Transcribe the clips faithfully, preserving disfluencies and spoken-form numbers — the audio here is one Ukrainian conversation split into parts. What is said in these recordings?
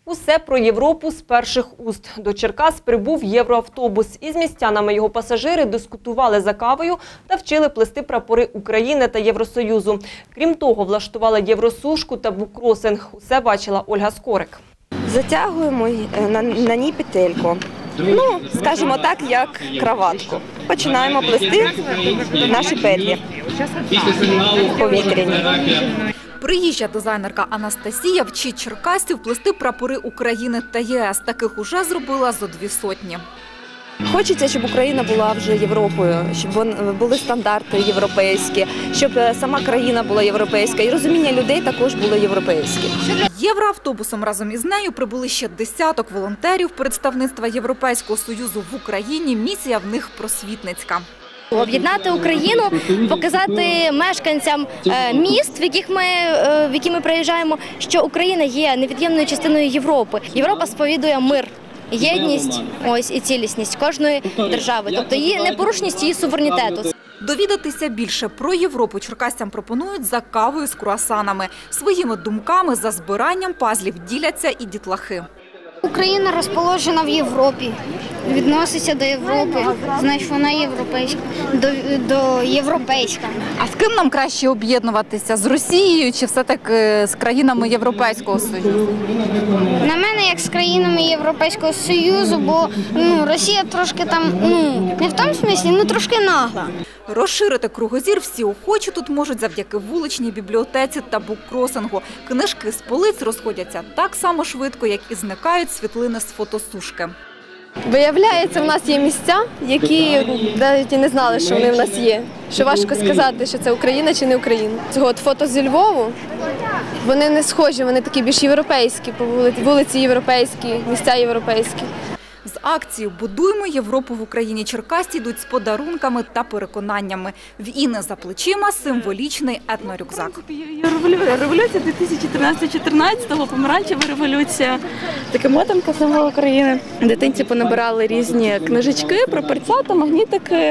Усе про Європу з перших уст. До Черкас прибув євроавтобус. Із містянами його пасажири дискутували за кавою та вчили плести прапори України та Євросоюзу. Крім того, влаштували євросушку та буккросинг. Усе бачила Ольга Скорик. Затягуємо на, на ній петельку. Ну, скажімо так, як краватку. Починаємо плести наші петлі повітряні. Приїжджа дизайнерка Анастасія вчить черкасців плести прапори України та ЄС. Таких уже зробила зо дві сотні. Хочеться, щоб Україна була вже Європою, щоб були стандарти європейські, щоб сама країна була європейська і розуміння людей також було європейське. Євроавтобусом разом із нею прибули ще десяток волонтерів представництва Європейського Союзу в Україні. Місія в них просвітницька. Об'єднати Україну, показати мешканцям міст, в яких ми, в які ми приїжджаємо, що Україна є невід'ємною частиною Європи. Європа сповідує мир, єдність ось, і цілісність кожної держави, тобто її непорушність її суверенітету. Довідатися більше про Європу черкасцям пропонують за кавою з круасанами. Своїми думками за збиранням пазлів діляться і дітлахи. Україна розположена в Європі, відноситься до Європи, значить вона європейська, до, до європейська. А з ким нам краще об'єднуватися? З Росією чи все-таки з країнами Європейського Союзу? На мене, як з країнами Європейського Союзу, бо ну, Росія трошки там, ну, не в тому смислі, ну трошки нагла. Розширити кругозір всі охочі тут можуть завдяки вуличній бібліотеці та буккросингу. Книжки з полиць розходяться так само швидко, як і зникають світлини з фотосушки. Виявляється, в нас є місця, які навіть і не знали, що вони в нас є. Що важко сказати, що це Україна чи не Україна. От фото зі Львову, вони не схожі, вони такі більш європейські, по вулиці, вулиці європейські, місця європейські. З акцією «Будуймо Європу в Україні» черкасці йдуть з подарунками та переконаннями. В Інни за плечима символічний етнорюкзак. Революція дві тисячі тринадцятого-чотирнадцятого, помаранчева революція. Таке мотанка символ України. Дитинці понабирали різні книжечки про перцята, магнітики,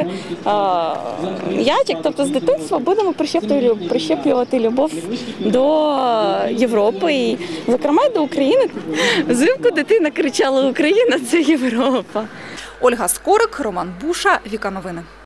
ячик. Тобто з дитинства будемо прищеплювати любов до Європи і, зокрема, й до України. Взимку дитина кричала: «Україна – це Європа». Ольга Скорик, Роман Буша, Віка Новини.